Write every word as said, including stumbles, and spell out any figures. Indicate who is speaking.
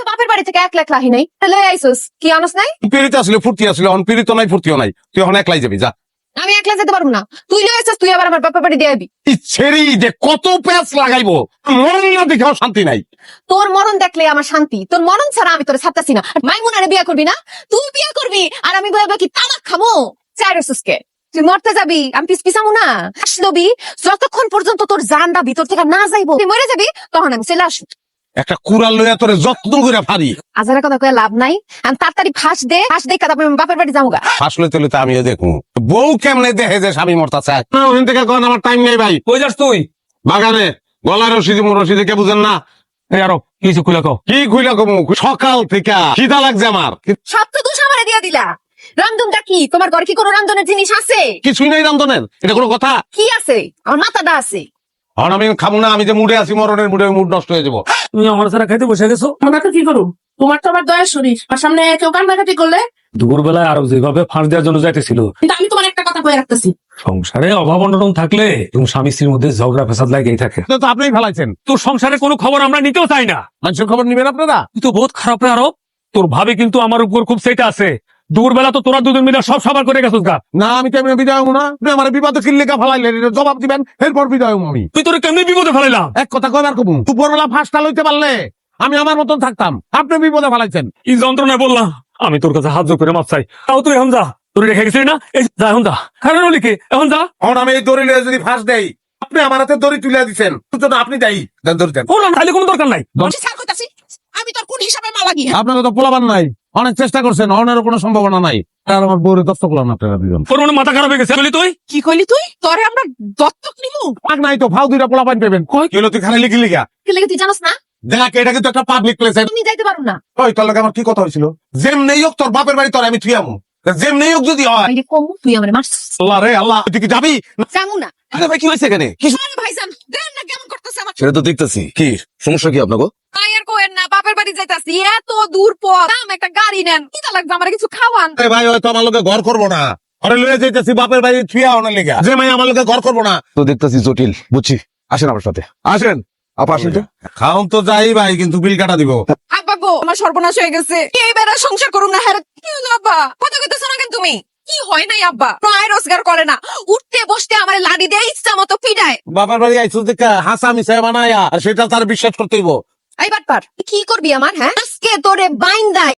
Speaker 1: তো বাপের বাড়ি থেকে এক লাখ লাহি নাই, তাহলে আইসোস কি আনস নাই?
Speaker 2: পিড়িতে আসলে ফুর্তি আসলে অন পিড়িত নাই ফুর্তিও নাই, তুই এখন একলাই যাবি যা।
Speaker 1: আমি একলা যেতে পারবো না, তুই লয়ে আইসোস, তুই আবার আমার বাপের বাড়ি দিয়ে আইবি।
Speaker 2: ছেড়ি যে কত প্যাঁচ লাগাইবো, মন না দেখেও শান্তি নাই।
Speaker 1: তোর মরণ দেখলে আমার শান্তি, তোর মরণ ছাড়া আমি তোরে ছাড়তাছি না। মাইমুনারে বিয়া করবি না, তুই বিয়া করবি আর আমি বলবো কি তামাক খামো? চাই রসুসকে তুই মরতে যাবি, আমি পিস পিছামু না। আসলবি যতক্ষণ পর্যন্ত তোর জানটা ভিতর থেকে না যাইবো, তুই মরে যাবি, তখন আমি চলে আসবো।
Speaker 2: একটা কুড়াল লইয়া তোরে যত্ন করে ফারি।
Speaker 1: আজারা কথা কয়ে লাভ নাই, আমি তাড়াতাড়ি ফাঁস দে, ফাঁস দে তারপর আমি বাপের বাড়ি যাবো গা।
Speaker 2: আসলে তুলে তো আমিও দেখুন বউ কেমনে দেখে যে স্বামী মরতা চায় না। ওখান থেকে কোন আমার টাইম নেই ভাই।
Speaker 3: কই যাস তুই?
Speaker 2: বাগানে গলার রশিদি রশিদি কে বুঝেন না?
Speaker 3: এই আরো কিছু খুলে কও।
Speaker 2: কি খুইলা কমু, সকাল থেকে খিদা লাগছে আমার।
Speaker 1: সব তো দোষ আমারে দিয়া দিলা। রামধনটা কি, তোমার ঘরে কি কোনো রামধনের জিনিস আছে?
Speaker 2: কিছুই নাই রান্ধনের, এটা কোনো কথা?
Speaker 1: কি আছে? আমার মাথাটা আছে।
Speaker 2: আর আমি খাবো না, আমি যে মুডে আছি মরণের মুডে, মুড নষ্ট হয়ে যাবো।
Speaker 3: তুমি আমার সারা খাইতে বসে গেছো।
Speaker 4: আমরা তো কি করু, তোমার তো আবার দয়া শরীর, আমার সামনে কেউ কান্নাকাটি করলে।
Speaker 3: দুপুরবেলায় আরো যেভাবে ফাঁস দেওয়ার জন্য যাইতেছিল,
Speaker 4: কিন্তু আমি তোমার একটা কথা কয়ে রাখতেছি,
Speaker 3: সংসারে অভাব অনটন থাকলে এবং স্বামী স্ত্রীর মধ্যে ঝগড়া ফেসাদ লাগেই থাকে।
Speaker 2: এটা তো আপনিই ফেলাইছেন।
Speaker 3: তোর সংসারে কোনো খবর আমরা নিতেও চাই না।
Speaker 2: মানুষের খবর নিবেন আপনারা?
Speaker 3: তুই তো বহুত খারাপ রে আরো। তোর ভাবি কিন্তু আমার উপর খুব সেটা আছে। দুপুরবেলা তো তোরা দুজন মিলে সব সবার করে গেছিস গা।
Speaker 2: না আমি কেমন বিদায় হবো না, আপনি আমার বিপদে কিল্লিকা ফেলাইলেন, এটা জবাব দিবেন, এরপর বিদায় হবো আমি।
Speaker 3: তুই তোর কেমনি বিপদে ফেলাইলাম?
Speaker 2: এক কথা কয়বার কমু, দুপুরবেলা ফাঁসটা লইতে পারলে আমি আমার মতন থাকতাম, আপনি বিপদে ফেলাইছেন।
Speaker 3: এই যন্ত্রণায় বললাম আমি তোর কাছে হাত জোর করে মাপ চাই। তাও তুই এখন যা, তোর রেখে গেছিস না, এই যা এখন যা। কারণ লিখে এখন যা।
Speaker 2: এখন আমি এই দড়ি লইয়া যদি ফাঁস দেই, আপনি আমার হাতে দড়ি তুলে দিচ্ছেন, জন্য আপনি দায়ী। দেন দড়ি দেন।
Speaker 3: ওর খাইলে কোনো দরকার নাই।
Speaker 4: আমি তোর কোন হিসাবে মালা গিয়ে
Speaker 2: আপনাকে তো পোলাবার নাই, অনেক চেষ্টা করছেন, অনেরও কোনো সম্ভাবনা নাই। আর আমার বউরে দত্তক করলাম না আপনারা দুজন।
Speaker 3: তোর মনে মাথা খারাপ হয়ে গেছে বলি তুই?
Speaker 4: কি কইলি তুই? তোরে আমরা দত্তক নিমু?
Speaker 2: পাক নাই তো, ফাউ দুইটা পোলা পাইন পেবেন। কই কি হলো, তুই খালি লিখি লিখা
Speaker 1: কি লাগে তুই জানোস না?
Speaker 2: দেখ, এটা কিন্তু একটা পাবলিক প্লেস।
Speaker 1: তুমি যাইতে পারো না।
Speaker 2: ওই তোর লগে আমার কি কথা হয়েছিল, যেমনি হোক তোর বাপের বাড়ি তোর আমি থুয়ামু, যেমনি হোক যদি হয়।
Speaker 1: আরে কমু, তুই আমারে মারছিস।
Speaker 2: আল্লাহ রে আল্লাহ, তুই কি যাবি?
Speaker 1: যামু না।
Speaker 5: আরে ভাই কি হয়েছে এখানে? কি
Speaker 1: আরে ভাইজান, দেন না কেমন করতেছে আমার।
Speaker 5: সেটা তো দেখতেছি। কি সমস্যা কি আপনাকে?
Speaker 1: আয়ের কোয়েন না, বাপের বাড়ি যাইতাছি, এত দূর পথ, দাম একটা গাড়ি নেন, কি লাগবে আমার কিছু খাওয়ান।
Speaker 2: আরে ভাই হয়তো আমার লোকে ঘর করবো না, আরে লয়ে যাইতেছি বাপের বাড়ি থুয়া অনেক লেগা, যে মাই আমার লোকে ঘর করবো না।
Speaker 5: তো দেখতেছি জটিল, বুঝছি। আসেন আমার সাথে, আসেন আপা, আসেন তো।
Speaker 2: খাওন তো যাই ভাই, কিন্তু বিল কাটা দিব।
Speaker 1: আব্বা গো, আমার সর্বনাশ হয়ে গেছে, এইবার আর সংসার করুম না। হ্যাঁ কি হলো আব্বা, কথা কইতেছ না কেন তুমি? কি হয় নাই আব্বা, প্রায় রোজগার করে না, উঠতে বসতে আমার লাডি দিয়ে ইচ্ছা মতো পিডায়।
Speaker 2: বাপের বাড়ি আইসু দেখা হাসা মিশাই বানায়া, আর সেটা তার বিশ্বাস করতেইব।
Speaker 1: এই বাটপার, কি করবি আমার? হ্যাঁ আজকে তোরে বাইন্দাই